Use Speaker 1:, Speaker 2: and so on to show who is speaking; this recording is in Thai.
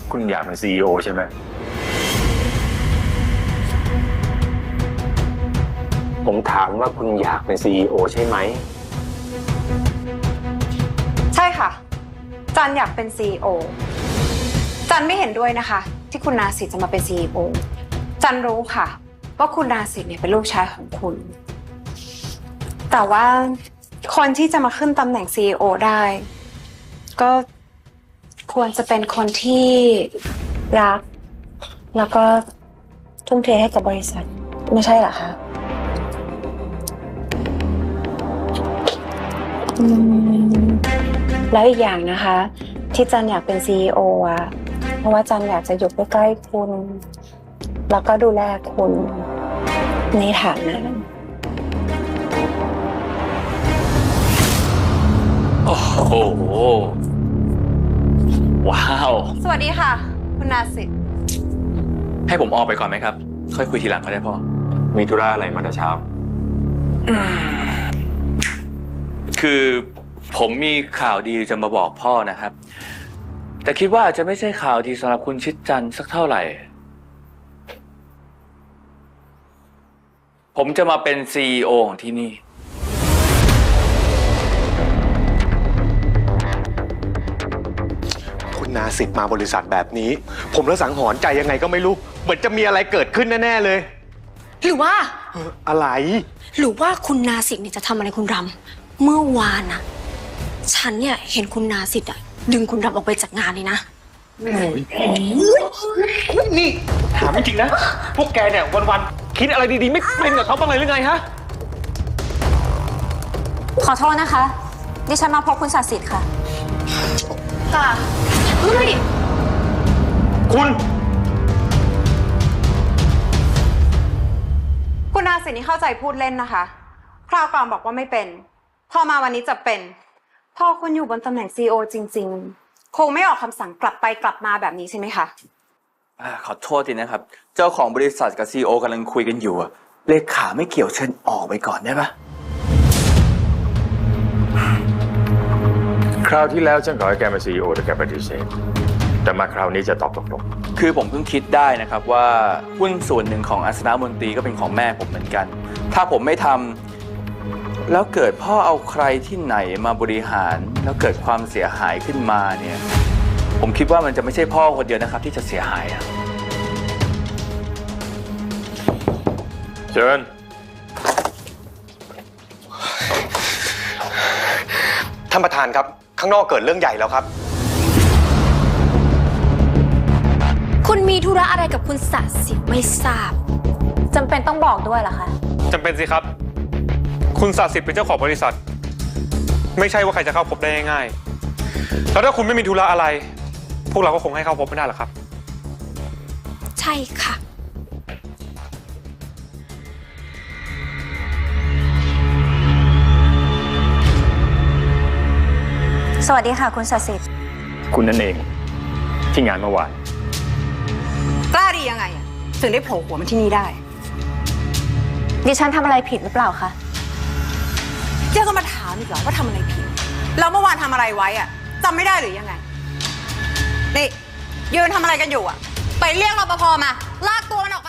Speaker 1: คุณอยากเป็นซีอีโอใช่ไหมผมถามว่าคุณอยากเป็นซีอีโอใช่ไหม
Speaker 2: ใช่ค่ะจันอยากเป็น CEO จันไม่เห็นด้วยนะคะที่คุณนาสิทธิ์จะมาเป็น CEO จันรู้ค่ะว่าคุณนาสิทธิ์เนี่ยเป็นลูกชายของคุณแต่ว่าคนที่จะมาขึ้นตำแหน่ง CEO ได้ก็ควรจะเป็นคนที่รักแล้วก็ทุ่มเทให้กับบริษัทไม่ใช่เหรอคะแล้วอีกอย่างนะคะที่จันอยากเป็น CEO อ่ะเพราะว่าจันอยากจะอยู่ใกล้ๆคุณแล้วก็ดูแลคุณในฐานะ
Speaker 3: โอ้โหว้าว
Speaker 2: สวัสดีค่ะคุณนาสิทธิ์
Speaker 3: ให้ผมออกไปก่อนไหมครับค่อยคุยทีหลังก็ได้พ่อ
Speaker 1: มีธุระอะไรมาแต่เช้า
Speaker 3: คือผมมีข่าวดีจะมาบอกพ่อนะครับแต่คิดว่าอาจจะไม่ใช่ข่าวดีสำหรับคุณชิดจันทร์สักเท่าไหร่ ผมจะมาเป็น CEO ของที่นี่
Speaker 4: คุณนาสิทธิ์มาบริษัทแบบนี้ผมละสังหรณ์ใจยังไงก็ไม่รู้เหมือนจะมีอะไรเกิดขึ้นแน่ๆเลย
Speaker 5: หรือว่า
Speaker 4: อะไร
Speaker 5: หรือว่าคุณนาสิทธิ์เนี่ยจะทำอะไรคุณรำเมื่อวานน่ะฉันเนี่ยเห็นคุณนาสิทธิ์อะดึงคุณรำออกไปจากงานเลยนะ
Speaker 4: นี่ถามจริงๆนะพวกแกเนี่ยวันๆคิดอะไรดีๆไม่เป็นกับเขาบ้างเลยหรือไงฮะ
Speaker 5: ขอโทษนะคะดิฉันมาพบคุณศาสิทธิ์ค่ะค่ะเฮ้ย
Speaker 4: คุณ
Speaker 2: นาสิทธิ์นี่เข้าใจพูดเล่นนะคะคราวก่อนบอกว่าไม่เป็นพอมาวันนี้จะเป็นพอคุณอยู่บนตำแหน่ง CEO จริงๆคงไม่ออกคำสั่งกลับไปกลับมาแบบนี้ใช่ไหมคะ
Speaker 3: ขอโทษทีนะครับเจ้าของบริษัทกับ CEO กำลังคุยกันอยู่อะเลขาไม่เกี่ยวเชิญออกไปก่อนได้ปะ
Speaker 1: คราวที่แล้วฉันขอให้แกเป็นซีอีโอแต่แกปฏิเสธแต่มาคราวนี้จะตอบตกลง
Speaker 3: คือผมเพิ่งคิดได้นะครับว่าหุ้นส่วนหนึ่งของอัศนมนตรีก็เป็นของแม่ผมเหมือนกันถ้าผมไม่ทำแล้วเกิดพ่อเอาใครที่ไหนมาบริหารแล้วเกิดความเสียหายขึ้นมาเนี่ยผมคิดว่ามันจะไม่ใช่พ่อคนเดียวนะครับที่จะเสียหายอะ
Speaker 1: เชิญ
Speaker 4: ท่านประธานครับข้างนอกเกิดเรื่องใหญ่แล้วครับ
Speaker 5: คุณมีธุระอะไรกับคุณศาสิทธิ์ไม่ทราบจำเป็นต้องบอกด้วยเหรอคะ
Speaker 6: จำเป็นสิครับคุณศาสิทธิ์เป็นเจ้าของบริษัทไม่ใช่ว่าใครจะเข้าพบได้ง่ายๆแล้วถ้าคุณไม่มีธุระอะไรพวกเราก็คงให้เข้าพบไม่ได้หรอกครับ
Speaker 5: ใช่ค่ะสวัสดีค่ะคุณศาสิทธิ์
Speaker 1: คุณนั่นเองที่งานเมื่อวาน
Speaker 2: กล้าดียังไงถึงได้โผล่หัวมาที่นี่ได้
Speaker 5: ดิฉันทำอะไรผิดหรือเปล่าคะ
Speaker 2: เจ้าก็มาถามอีกเหรอว่าทำอะไรผิดแล้วเมื่อวานทำอะไรไว้อะจำไม่ได้หรือยังไงนี่ยืนทำอะไรกันอยู่อะไปเรียกรปภมาลากตัวมันออกไป